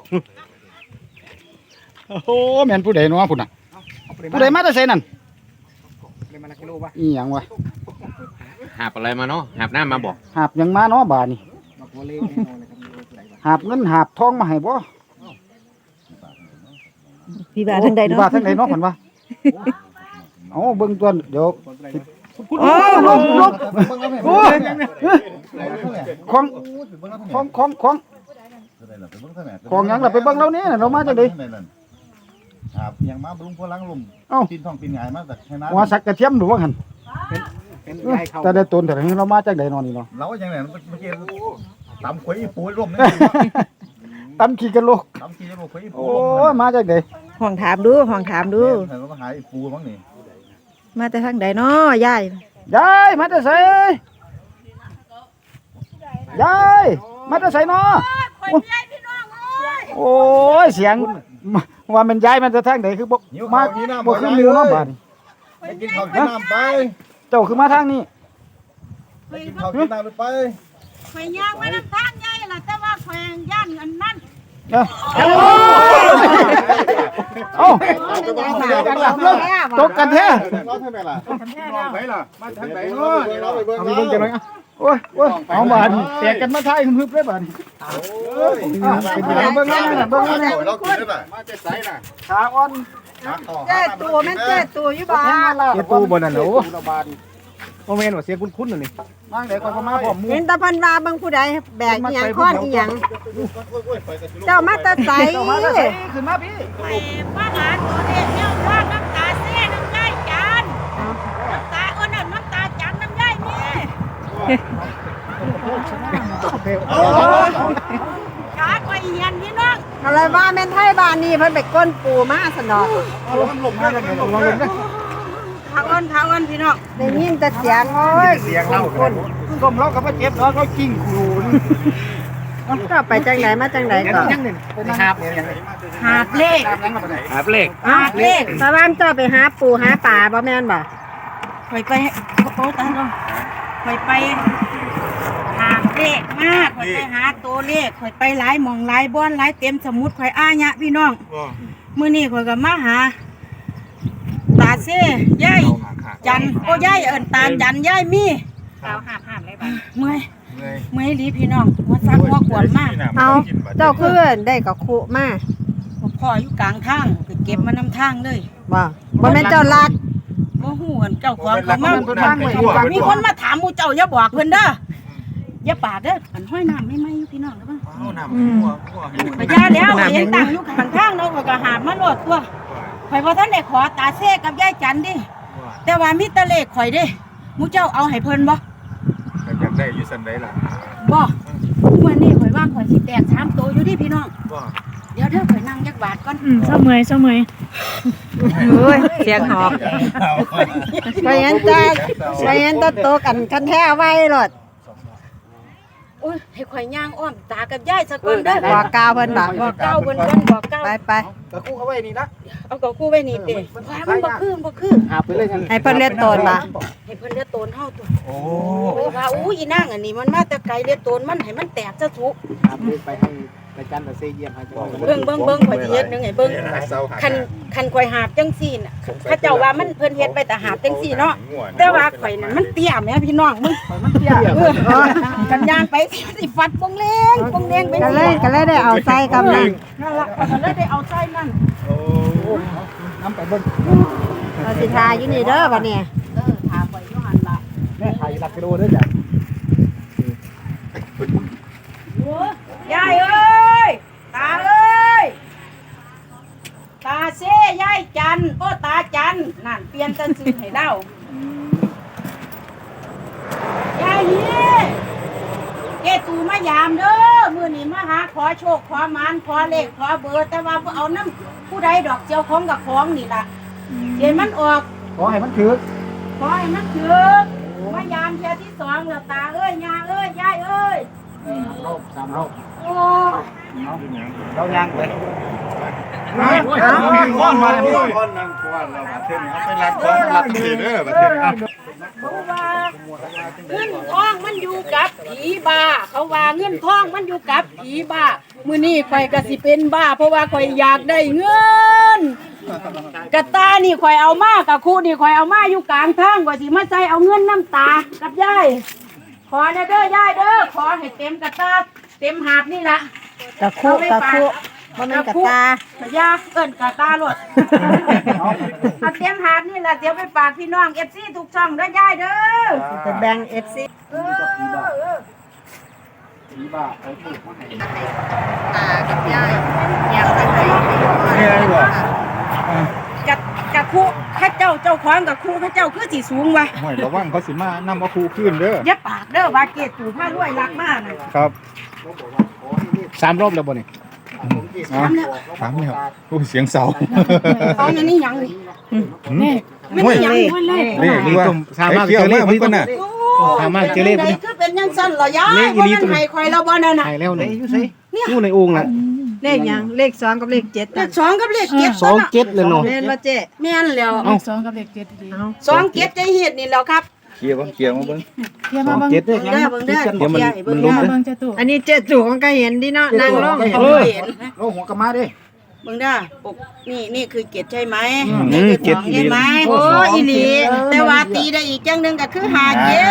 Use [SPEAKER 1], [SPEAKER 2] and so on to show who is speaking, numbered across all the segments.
[SPEAKER 1] โอ้แม่นผู้ใดเนาะพุ่นน่ะผู้ใดมาแต่ไสนั่นอีหยังวะ
[SPEAKER 2] หาบอะไรมาเนาะหาบน้ำมาบอก
[SPEAKER 1] หาบหยังมาเนาะบาดนี่หาบเงินหาบทองมาให้บ่
[SPEAKER 3] พี่บาทางใด
[SPEAKER 1] พี่
[SPEAKER 3] เนาะ
[SPEAKER 1] บาททางใดเนาะเพิ่นว่าเอ้าเบิ่งตัวเดี๋ยว
[SPEAKER 3] โอ้
[SPEAKER 1] ลบโอ้ยของของหยังล่ะไปเบิ่งเรานี่เรามาจังได๋
[SPEAKER 4] ครับยังมาบำรุงพลังลม
[SPEAKER 1] เอ้า
[SPEAKER 4] ปีนท้องปีนหงายมาจากให้น้
[SPEAKER 1] หัวสักกระเทียมหรือว่าหั่นแต่ได้ตนแต่เรามาจากใดเนาะนี่เนาะ
[SPEAKER 4] ำเราอย่างนั้นเมื่อกี้ตำขวยอีปูร่มนี่
[SPEAKER 1] ตำขี้กันโลก
[SPEAKER 4] ตำขี้จะบอกขวยอีปู
[SPEAKER 1] โอ้ยมาจากใด
[SPEAKER 3] ห้องถามดูห้องถามดู
[SPEAKER 4] เห็นว่าหายอีปูมั้งนี่
[SPEAKER 3] มาแต่ทางใดเนาะยาย
[SPEAKER 1] ยายมาแต่ไสยายมาแต่ไสเนาะโอ้ยเสียงว่ามันยายมันจะทางใดคือบ่มาบ่คือหมู่เนาะบาดนี้
[SPEAKER 4] ไปกินข้าวกินน้ำไป
[SPEAKER 1] เจ้าคือมาทางนี้
[SPEAKER 4] ไปกินข้าวกินน้ำไป
[SPEAKER 5] ข่อยย่างมาน้ำทางใหญ่ล่ะแต่ว่าข่อยย่านอันนั้น
[SPEAKER 1] เอ้าตกกันแท้
[SPEAKER 4] เราทำไมล่ะไปล่ะมาทางไหนเนาะเราไปเบิ่ง
[SPEAKER 1] เอาไปเบิ่งจังได๋โอ้ยเอาบาดนี้แตกกันมาทายฮึบเลยบาดนี้เป็นจังได๋เบิ่งนั่นน่ะเบิ่งนั่นน่ะ
[SPEAKER 4] เรากินได้ป่ะมาจะใส่น่ะ
[SPEAKER 1] ขาอ่อน
[SPEAKER 3] เจ้ตัวแม่นเจ้ตัวอยู่บ่
[SPEAKER 1] เฮ็ดตู้บ่นั่นโอ้
[SPEAKER 6] โมเมนต์ว่าเสียคุ้นๆน่ะนี่
[SPEAKER 1] นางได้ก็มาพร้อมหมู่
[SPEAKER 3] เห็นแตะพันว่าเบิ่งผู้ใดแบกอีหยังค้อนอีหยังเจ้ามาแต่ไส
[SPEAKER 1] เจ้ามาแล้วขึ้นมาพี่
[SPEAKER 5] ไปมาหาตัวเด็กเนี่ยว่าน้ำตาเสียน้ำย่ายจันน้ำตาอ้นน้ำตาจันน้ำย่ายนี่ขาข่อยเหียนพี่น้อง
[SPEAKER 3] อะไรว่าแม่นไทยบ้านนี้เพิ่นไปก้นปูมาสนอ
[SPEAKER 1] ลมมาแล้วลมเด้อ
[SPEAKER 5] ขาอ้นพี่น้อง
[SPEAKER 3] ได้ยินแต่เสียงโอ้ย
[SPEAKER 6] เสียงเล่า
[SPEAKER 1] คนลมเราก็บ่เจ็บเนาะเขากิ้งคูน
[SPEAKER 3] เจ้าไปจังไหนมาจังไหนก่อน
[SPEAKER 6] ยังนี่เป็นหาบเนี่ยยัง
[SPEAKER 5] หาบเลข
[SPEAKER 6] หาบเลข
[SPEAKER 5] หาบเลข
[SPEAKER 3] ตะวันเจ้าไปหาปูหาปลาบ่แม่นบ่
[SPEAKER 5] ข่อยไปโอ้ตาลงข่อยไปหาเลขมากข่อยไปหาตัวเลขข่อยไปหลายหม่องหลายบ้อนหลายเต็มสมุดข่อยอ้ายะพี่น้องมื้อนี้ข่อยก็มาหาตาเซ่ยายจันโอ้ยายเอิ้นตาจันยายมีเท้าหาบเลยบ่เมื่อยหลีพี่น้องมาซักหัวขวนมาก
[SPEAKER 3] เอาเจ้าคือได้กับคุมา
[SPEAKER 5] พ่ออยู่กลางทางไปเก็บมานำทางเลย
[SPEAKER 3] บ่บ่แม่นเจ้าลัก
[SPEAKER 5] บ่ฮู้กันเจ้าของเขามามีคนมาถามหมู่เจ้าอย่าบอกเพิ่นเด้ออย่าปาดเด้ออันห้อยน้ำไม่ไหมอยู่พี่น้องเด้อ พญาแล้วเห็นต่างอยู่ข้างทางเนาะก็หามาโลดตัวข่อยบ่ทันได้ขอตาเซ่กับยายจันดิแต่ว่ามีแตะเลขข่อยเด้หมู่เจ้าเอาให้เพิ่นบ่
[SPEAKER 4] อยากได้อยู่สันได้ล่ะ
[SPEAKER 5] บ่มื้อนี้ข่อยว่าข่อยสิแตก3ตัวอยู่ดิพี่น้องเดี๋ยวเด้อข่อยนั่งจักบาทก่อน
[SPEAKER 7] เศร้าเมื่อย
[SPEAKER 3] โอ้ยเสียงหอบไปเห็นแต่โตกันคันแท้ไว้โลด
[SPEAKER 5] โอ้ยให้ข่อยย่างอ้อมตากับยายซะก่อนเด้อ
[SPEAKER 3] บอกกล่าวเพิ่นบ่
[SPEAKER 5] บอกเก้าเพิ่นก่อนบอกเก้า
[SPEAKER 3] ไป
[SPEAKER 1] ก็คู่เอาไว้นี่นะ
[SPEAKER 5] เอากับกูไว้นี่เด้มันบ่คือ
[SPEAKER 1] หาไปเลยกัน
[SPEAKER 3] ให้เพิ่นเลียนโตนบ่
[SPEAKER 5] ให้เพิ่นเลือดโตนเฮาตัวโอ้ว่าอู้อีนางอันนี้มันมาแต่ไกลเลือดโตนมันให้มันแตกซะทุก
[SPEAKER 6] หาบเลขไปให้อาจารย์ตะเซเยี่ยมให้เจ้า
[SPEAKER 5] เบิ่งข่อยสิเฮ็ดหนึงให้เบิ่งคันข่อยหาบจังซี่น่ะเขาเจ้าว่ามันเพิ่นเฮ็ดไปแต่หาบจังซี่เนาะแต่ว่าข่อยนั่นมันเตี้ยแม่พี่น้องมึงมันเตี้ยกันย่างไปสิฟัดปงเลงไป
[SPEAKER 3] ก็เลยได้เอาใส่กับนั่น
[SPEAKER 5] นั่นล่ะข่อยก็เลยได้เอาใส่นั่น
[SPEAKER 1] น้ำไปเบิ่ง
[SPEAKER 3] เราสิทาอยู่นี่เด้อบัดนี้
[SPEAKER 5] ถามข่อยอยู่หั่นล่ะ
[SPEAKER 1] แม่ขายหลักกิโลเด้อจ้ะ
[SPEAKER 5] ยายเอ้ยตาเอ้ยตาเซ่ยายจันโอ้ตาจันนั่นเปลี่ยนแต่ชื่อให้เดายายเฮียเกตูมายามเด้อมื้อนี้มาหาขอโชคขอหมานขอเลขขอเบอร์แต่ว่าบ่เอานำผู้ใดดอกเจ้าของกับของนี่ล่ะเดี๋ยวมันออก
[SPEAKER 1] ขอให้มันถือ
[SPEAKER 5] ขอให้มันถึกมายามเที่ยที่สองแล้วตาเอ้ยยาเอ้ยยายเอ้ย
[SPEAKER 1] 3รอบ
[SPEAKER 5] โอ้
[SPEAKER 1] เราย่างไป
[SPEAKER 4] ก้อนมาเลยก้อนนั่งก้อนเราประเทศนี้ไปรักก้อนรักที่เด้อประเทศนี้
[SPEAKER 5] เพราะว่าเงินทองมันอยู่กับผีบ้าเขาว่าเงินทองมันอยู่กับผีบ้ามื้อนี้ข่อยก็สิเป็นบ้าเพราะว่าข่อยอยากได้เงินกระตานี่ข่อยเอามากะคู่นี่ข่อยเอามาอยู่กลางทางกว่าสิมาใส่เอาเงินน้ำตากับยายขอเด้อยายเด้อขอให้เต็มกระตาเต็มหาบนี่ล่ะ
[SPEAKER 3] กะคุบ่แม่นกะตา
[SPEAKER 5] ยาเอิ้นกะตาโลดเอาเต็มหาบนี่ล่ะเดี๋ยวไปฝากพี่น้อง FC ทุกช่องเด้อยายเด้อ
[SPEAKER 3] จะแบ่ง FC
[SPEAKER 1] ผีบ้าเอาถูกมาให้
[SPEAKER 3] ตากับยายอยากไปไหน
[SPEAKER 1] นี่อะไรบ่
[SPEAKER 5] กะคู่ข้าเจ้าเจ้าของกะคู่ข้าเจ้าคือสิสูงวะ
[SPEAKER 4] ห่วยระวังเขาสิมานำเอาครูขึ้นเด้อ
[SPEAKER 5] อย่าปากเด้อว่าเกตตู่ผ้ารวยรักมากน่ะ
[SPEAKER 4] ครับ3รอบแล้วบ่นี่
[SPEAKER 5] ถามแล้ว
[SPEAKER 4] ถามแล้วโอ้เสียงเสา
[SPEAKER 5] เอาอันนี้หยังนี่มันหยังมันเลย
[SPEAKER 4] นี่นี่ว่าสามารถเจอเลขมันก็น่ะ สามารถเจอเลข
[SPEAKER 5] มันคือเป็นยังสั่นเหรอยายบ่มันให้ข่อยแล้วบ่นั่นน่ะ
[SPEAKER 4] หายแล้วนี่
[SPEAKER 1] อยู่ไส
[SPEAKER 4] อยู่ในองค์น่ะ
[SPEAKER 3] เลขหยังเลข2กับเลข7
[SPEAKER 5] เล
[SPEAKER 3] กัน
[SPEAKER 5] ข2กับเลข7
[SPEAKER 4] 2 7เลยเนาะ
[SPEAKER 3] แม่นบ่เจ๊
[SPEAKER 5] แม่นแล้ว
[SPEAKER 3] เอา
[SPEAKER 5] 2 7ใจเฮ็ดนี่แล้วครับ
[SPEAKER 4] เคลียร์บ่เคลียร์มาเบิ่ง
[SPEAKER 1] เจ็ดเด้อ
[SPEAKER 5] เบิ่งเด้อเบิ่งเด้อ
[SPEAKER 4] เดี๋ยวมัน
[SPEAKER 5] เบิ่ง
[SPEAKER 4] ล้ม
[SPEAKER 5] เด้อ
[SPEAKER 4] เด้อ
[SPEAKER 3] อันนี้เจ๊ตู่ของก็เห็นดิเนาะนั่งลง
[SPEAKER 5] เออเห็น
[SPEAKER 1] โลหัวกะมาเด้
[SPEAKER 5] เบิ่งเด้อปกนี่คือเกตใช่ไหม
[SPEAKER 4] อืม
[SPEAKER 5] นี่คือ
[SPEAKER 4] เจ็ด
[SPEAKER 5] 2ใช่ไหม
[SPEAKER 3] โอ้อีหลี
[SPEAKER 5] แต่ว่าตีได้อีกจังหนึงก็คือ5เกต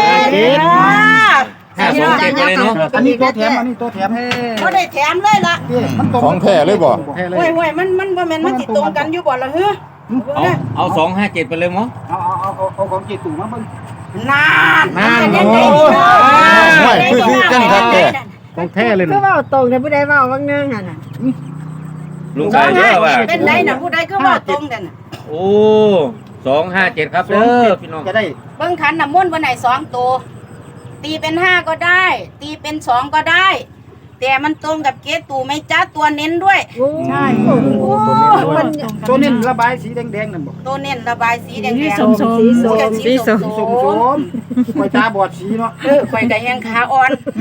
[SPEAKER 2] 527ไปเลยเนาะ
[SPEAKER 1] อันนี้ตัวแถมอันนี้ตัวแถม
[SPEAKER 5] บ่ได้แถมเลยล่ะ
[SPEAKER 1] มันตรง
[SPEAKER 4] ของแท้เลยบ่
[SPEAKER 1] แท้เลย
[SPEAKER 5] โอ้ยมันบ่แม่นมันสิตรงกันอยู่บ่ล่ะเฮ้อ
[SPEAKER 2] เอา257ไปเลยมั้ง
[SPEAKER 1] เอาของเจตู่มาเบิ่ง
[SPEAKER 5] นาน
[SPEAKER 4] ไม่คือกันครับแกของแท้เลย
[SPEAKER 3] คือเว้าตรงแต่ผู้ใดเว้าบางเนึงหั่นน่ะ
[SPEAKER 2] ลุงชายเด้อว่า
[SPEAKER 5] เป็นไดน่ะผู้ใดก็ว่าตรงกันน่ะ
[SPEAKER 2] โอ้257ครับเด้อพี่น้อง
[SPEAKER 1] จะได้
[SPEAKER 5] เบิ่งขันน้ำมนต์บ่ไหน2ตัวตีเป็น5ก็ได้ ตีเป็น2ก็ได้ แต่มันตรงกับเกตตู่ไหม่จ้าตัวเน้นด้วย
[SPEAKER 3] ใช่
[SPEAKER 1] ตัวนี้ระบายสีแดงๆนั่นบ่
[SPEAKER 5] ตัวเน้นระบายสีแดงๆ
[SPEAKER 3] สีส้ม
[SPEAKER 5] สีส้ม
[SPEAKER 1] สมๆข่อยตาบอดสีเนาะ
[SPEAKER 5] ข่อยก็แฮงขาอ่อน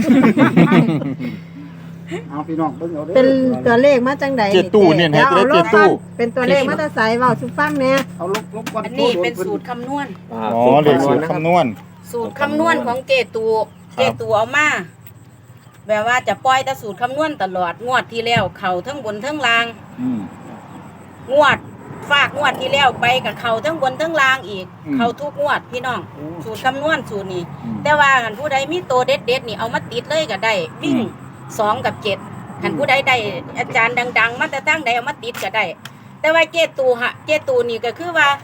[SPEAKER 1] เอาพี่น้องเบิ่งเอาเด้อ
[SPEAKER 3] เป็นตัวเลขมาจังใด
[SPEAKER 4] เจ็ดตู้เนี่ยให้ได้เจ็ดตู้
[SPEAKER 3] เป็นตัวเลขมาแต่ไสเว้าสุฟังแหน่
[SPEAKER 1] เอาลบก่อน
[SPEAKER 5] อันนี้เป็นสูตรคำนวณ
[SPEAKER 4] อ๋อเลขสูตรคำนวณ
[SPEAKER 5] สูตรคำนวณของเกตูเอามาแบบว่าจะปล่อยแต่สูตรคำนวณตลอดงวดที่แล้วเข่าทั้งบนทั้งล่าง
[SPEAKER 4] อืม
[SPEAKER 5] งวดฝากงวดที่แล้วไปกับเข่าทั้งบนทั้งล่างอีก
[SPEAKER 4] อืม
[SPEAKER 5] เข่าทุกงวดพี่น้อง สูตรคำนวณสูตรนี้ แต่ว่าหันผู้ใดมีตัวเด็ดๆนี่เอามาติดเลยก็ได้ วิ่ง2 กับ 7หันผู้ใดได้อาจารย์ดังๆมาแต่ตั้งใดเอามาติดก็ได้ แต่ว่าเกตูนี่ก็คือว่า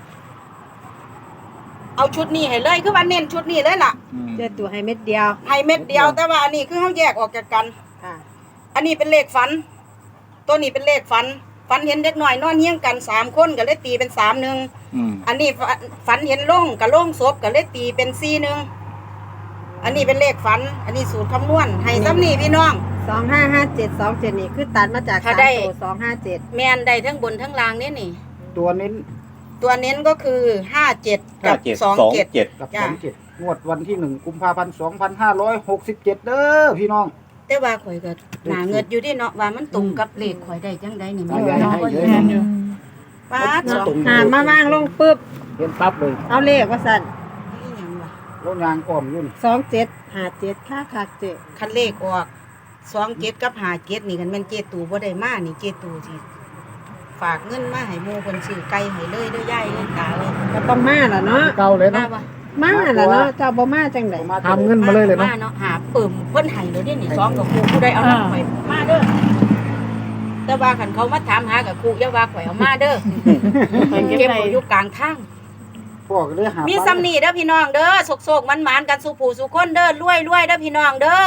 [SPEAKER 5] เอาชุดนี้ให้เลยคือว่าเน้นชุดนี้เลยล่ะ
[SPEAKER 3] เจ๊ตู่ให้เม็ดเดียว
[SPEAKER 5] ให้เม็ดเดียวแต่ว่าอันนี้คือเขาแยกออกจากกัน
[SPEAKER 3] ค่ะ
[SPEAKER 5] อันนี้เป็นเลขฝัน ตัวนี้เป็นเลขฝันเห็นเด็กหน่อยนอนเฮี้ยงกัน3 คนก็เลยตีเป็น3 1
[SPEAKER 4] อืม
[SPEAKER 5] อันนี้ฝันเห็นโล่งกับโล่งศพก็เลยตีเป็น4 1อันนี้เป็นเลขฝัน อันนี้สูตรคำนวณให้ซ้ำนี่พี่น้อง
[SPEAKER 3] 255727นี่คือตัดมาจาก
[SPEAKER 5] ถ้า
[SPEAKER 3] 3
[SPEAKER 5] ได้
[SPEAKER 3] ตัว257
[SPEAKER 5] แมนได้ทั้งบนทั้งล่างนี่นี่
[SPEAKER 1] ตัวเน้น
[SPEAKER 5] ตัวเน้นก็คือ57กับ27
[SPEAKER 1] กับ
[SPEAKER 5] จ้ะ
[SPEAKER 1] 27งวดวันที่1กุมภาพันธ์2567เด้อพี่น้อง
[SPEAKER 5] แต่ว่าข่อยก็หนาเงิดอยู่ที่เนาะว่ามันตรงกับเลขข่อยได้จังไดนี่แม่
[SPEAKER 1] ได้
[SPEAKER 5] เนาะ
[SPEAKER 1] ได้
[SPEAKER 5] ว่า
[SPEAKER 1] ได้
[SPEAKER 5] อยู่ป้าดสอง
[SPEAKER 3] หามาวางลงปึ๊บ
[SPEAKER 1] เห็นปั๊บเลย
[SPEAKER 3] เอาเลขว่าสั่น
[SPEAKER 5] นี่หยังวะ
[SPEAKER 1] รถยางอ้อมอยู่นี่
[SPEAKER 3] 2757ค่าเจ๊
[SPEAKER 5] คันเลขออก27กับ57นี่กันแม่นเจตูบ่ได้มานี่เจตูสิฝากเงินมาให้หมู่เพิ่นซื้อไก่ให้เลยเด้อยายเด้อตาเลย
[SPEAKER 3] ก็ต้องมาล่ะเนาะ
[SPEAKER 1] เก่าเลย
[SPEAKER 5] มา
[SPEAKER 1] เนาะ
[SPEAKER 5] บ่
[SPEAKER 3] มาล่ะเนาะเจ้าบ่มาจังได๋
[SPEAKER 1] ทำเงินมาเลยเลยเนาะ
[SPEAKER 5] มาเนาะหาเปิ่มเพิ่นให้เลยเด้นี่2กับครูผู้ใดเอาน้ำข่อยมาเด้อแต่ว่าคันเขามาถามหากับครูอย่าว่าข่อยเอามาเด้อเก็บไว้อยู่กลางทาง
[SPEAKER 1] พวกเลยหา
[SPEAKER 5] มีซ้ำนี่เด้อพี่น้องเด้อโศกๆมันๆกันสุผู้สุคนเด้อรวยๆเด้อพี่น้องเด้อ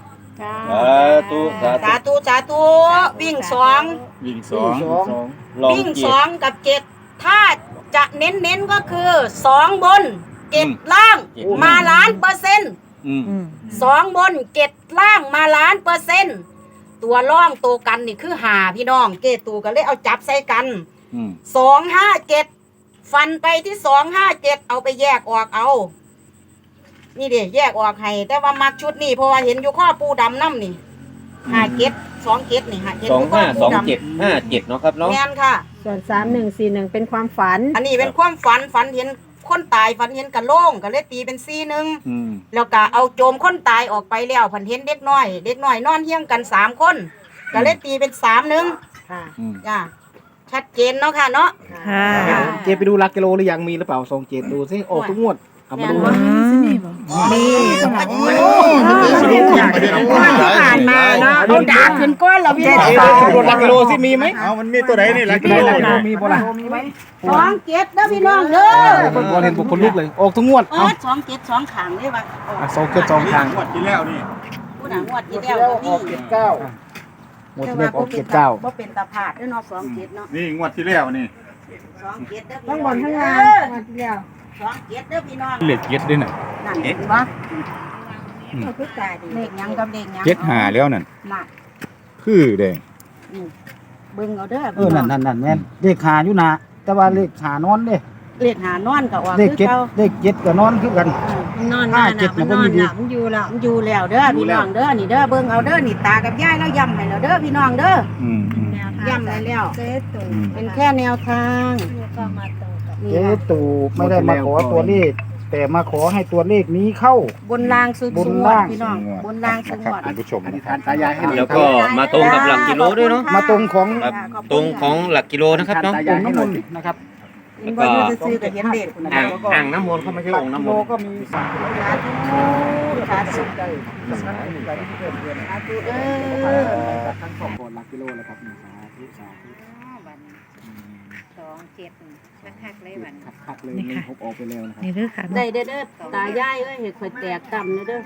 [SPEAKER 2] สาธุ
[SPEAKER 5] สาธุวิ่ง2
[SPEAKER 4] วิ่ง
[SPEAKER 2] ลอง
[SPEAKER 5] วิ่ง
[SPEAKER 2] เกียรติ
[SPEAKER 5] 2กับ7ถ้าจะเน้นๆก็คือ2บน7ล่างมา1,000,000%
[SPEAKER 2] อืม
[SPEAKER 5] 2บน7ล่างมา1,000,000%ตัวร่องตัวกันนี่คือ5พี่น้องเกตูก็เลยเอาจับใส่กัน
[SPEAKER 4] อืม
[SPEAKER 5] 257ฟันไปที่257เอาไปแยกออกเอานี่เด้แยกออกให้แต่ว่ามักชุดนี้เพราะว่าเห็นอยู่ข้อปูดำน้ำนี่57นี่เห็นอยู่ข้อปูดำ
[SPEAKER 2] 2757เนาะครับเนาะ
[SPEAKER 5] แม่นค่ะ
[SPEAKER 3] ส่วน3141เป็นความฝัน
[SPEAKER 5] อันนี้เป็นความฝันเห็นคนตายฝันเห็นกะโหลงก็เลยตีเป็น4 1
[SPEAKER 4] อืม
[SPEAKER 5] แล้วก็เอาโจมคนตายออกไปแล้วฝันเห็นเด็กน้อยนอนเฮี้ยงกัน3 คนก็เลยตีเป็น3 1
[SPEAKER 3] ค่ะ
[SPEAKER 4] อืม
[SPEAKER 5] จ้าชัดเจนเนาะค่ะเนาะ
[SPEAKER 3] ค่ะ
[SPEAKER 6] เจไปดูหลักกิโลหรือยังมีหรือเปล่าส่งเจดูสิออกทุกงวดเอามาดู
[SPEAKER 3] มี
[SPEAKER 5] ผ่านมาเนาะเอาดาบขึ้นก้อนแล้วพี่
[SPEAKER 6] เจ
[SPEAKER 5] น้อง
[SPEAKER 6] ดูหลักกิโลสิมีไหม
[SPEAKER 4] เอามันมีตัวไหนนี่หลักกิโล
[SPEAKER 6] มีบ่ล่ะ
[SPEAKER 5] 2 7เด้อพี่น้องเด้อ
[SPEAKER 6] คนบ่เห็นบุคคลลูกเลยออกทุกงวด
[SPEAKER 5] อ๋อ
[SPEAKER 6] เอา
[SPEAKER 5] 2 7 2ขางเลยว่ะ
[SPEAKER 6] ส่งเกิดสองทาง
[SPEAKER 4] งวดที่แล้วนี่
[SPEAKER 5] ผู้หนังงวดที่แล้วก็มี
[SPEAKER 6] หมดที่เรียกออกเจ็ดเก้า
[SPEAKER 5] บ่เป็นตาผาดเด้อเนาะ2 7เนาะ
[SPEAKER 4] นี่งวดที่แล้วนี่
[SPEAKER 5] 2 7เด้อ
[SPEAKER 3] ทั้งบนทั้งล่างมาเดียว
[SPEAKER 5] 2 7เด้อพี่น้อง
[SPEAKER 4] เหล็กเจ็ดด้วยน่ะ
[SPEAKER 5] นั่นเห็นบ่
[SPEAKER 3] เอาคือตาดี
[SPEAKER 5] เลขหยังกับเลขหยัง
[SPEAKER 4] เจ็ดหาแล้วนั่น
[SPEAKER 5] น่ะ
[SPEAKER 4] คือเด้
[SPEAKER 5] เบิ่งเอาเด้อ
[SPEAKER 1] นั่นแม่นเลขหาอยู่นะแต่ว่าเลขหานอนเด้
[SPEAKER 5] เลขหานอนก็ว่า
[SPEAKER 1] เลข
[SPEAKER 5] คือ
[SPEAKER 1] เจ็ด
[SPEAKER 5] เก่า
[SPEAKER 1] เลขเจ็ดก็นอนคือกัน
[SPEAKER 3] นอนมาน่ะมันนอนหลับมันอยู่แล้ว
[SPEAKER 5] มันอยู่แล้วเด้อพี่น้องเด้อนี่เด้อเบิ่งเอาเด้อนี่ตากับยายแล้วย้ำให้แล้วเด้อพี่น้องเด้อ
[SPEAKER 4] อืมอืม
[SPEAKER 5] ย้ำให้แล้ว
[SPEAKER 3] เจ๊ตุ่ม
[SPEAKER 5] เป็นแค่แนวทาง
[SPEAKER 3] ก็มาตรงกับ
[SPEAKER 5] นี่
[SPEAKER 1] เจ๊
[SPEAKER 5] นะ
[SPEAKER 1] ตู่ไม่ได้มาขอตัวเลข แต่มาขอให้ตัวเลขนี้เข้า
[SPEAKER 5] บนรางสุด
[SPEAKER 1] บน
[SPEAKER 5] สว
[SPEAKER 1] ล่าง
[SPEAKER 5] พี่น้องบนรางสุด
[SPEAKER 4] ครับท่านผู้ชม
[SPEAKER 6] อธิษฐานตายายให้หน่อย
[SPEAKER 2] แล้วก็มาตรงกับหลักกิโลด้วยเนาะ
[SPEAKER 1] มาตรงของ
[SPEAKER 2] ครับตรงของหลักกิโลนะครับเนาะ
[SPEAKER 1] องค์น้ำมนต์นะครับ
[SPEAKER 5] มันบ่อยู่ซื่อๆก็เห็นเด็กนะ
[SPEAKER 2] อ่างน้ำมนต์เขาไม่ใช่องค์น้ำมนต์
[SPEAKER 1] ก็มีสาม
[SPEAKER 5] สาธุสาธุสาธุเด้อ
[SPEAKER 6] ทั้งสองคนหลักกิโลแล้วครับสาธุสาธุ
[SPEAKER 3] 2-7คักๆเลยวัน
[SPEAKER 6] คักเลยมีพบออกไปแล้วนะครับ
[SPEAKER 3] นี่เด้อค่ะ
[SPEAKER 5] ได้เด้อเด้อตายายเอ้ยเห็ดข่อยแตกต่ำเด้อ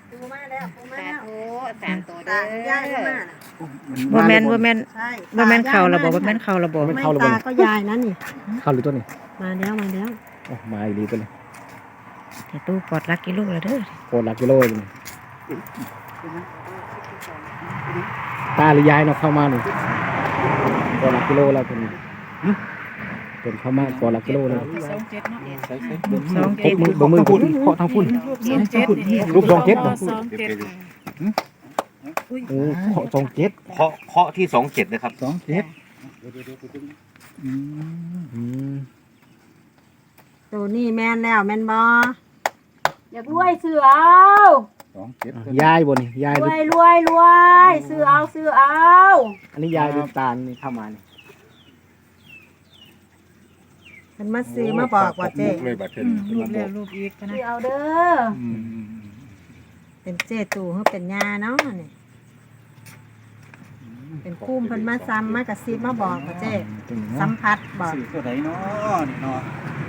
[SPEAKER 3] สามตัวเด้
[SPEAKER 5] ตายายก็มา
[SPEAKER 3] บ่แม่นบ่แม่น
[SPEAKER 5] ใช่
[SPEAKER 3] บ่แม่นเข้าระบบบ่แม่นเข้าระบบ
[SPEAKER 5] ไม่ตาก็ยายนั่นนี่
[SPEAKER 6] เข้าหรือตัวนี้
[SPEAKER 3] มาแล้ว
[SPEAKER 6] โอ้มาอีกดีตัวนี้
[SPEAKER 3] แต่ตู้กดลักกิโลแล้วเด้อ
[SPEAKER 6] โคตรหลักกิโลเลยตาหรือยายเนาะเข้ามาหนึ่งโคตรหลักกิโลแล้วตัวนี้เป็นเข้ามาโคตรหลักกิโลเลย
[SPEAKER 3] 2-7
[SPEAKER 6] มือพุ่นเคาะทางพุ่นรูป2-7เนาะโอ้เคาะ2-7
[SPEAKER 2] เคาะที่27นะครับ
[SPEAKER 3] ตัวนี้แม่นแล้วแม่นบ่
[SPEAKER 5] อยากรวยซื้อเอา
[SPEAKER 6] ยายบ่นี่ยาย
[SPEAKER 5] ร
[SPEAKER 6] ดู
[SPEAKER 5] วยรวยรวยซื้อเอาซื้อเอา
[SPEAKER 6] อันนี้ยายดูตาลนี่เข้ามานี่
[SPEAKER 3] มันมาซื้อมาบอกว่าเจ๊
[SPEAKER 4] เลยบัดเทิง
[SPEAKER 5] ซื้อเอาเด้อ
[SPEAKER 3] เป็นเจ๊ตู่เฮาเป็นยาเนาะนี่เป็นคุ้มเพิ่นมาซ้ำมากระซิบมาบอกว่าเจ๊สัมผัสบอก
[SPEAKER 4] ตัวไหนเนาะนี่เนาะ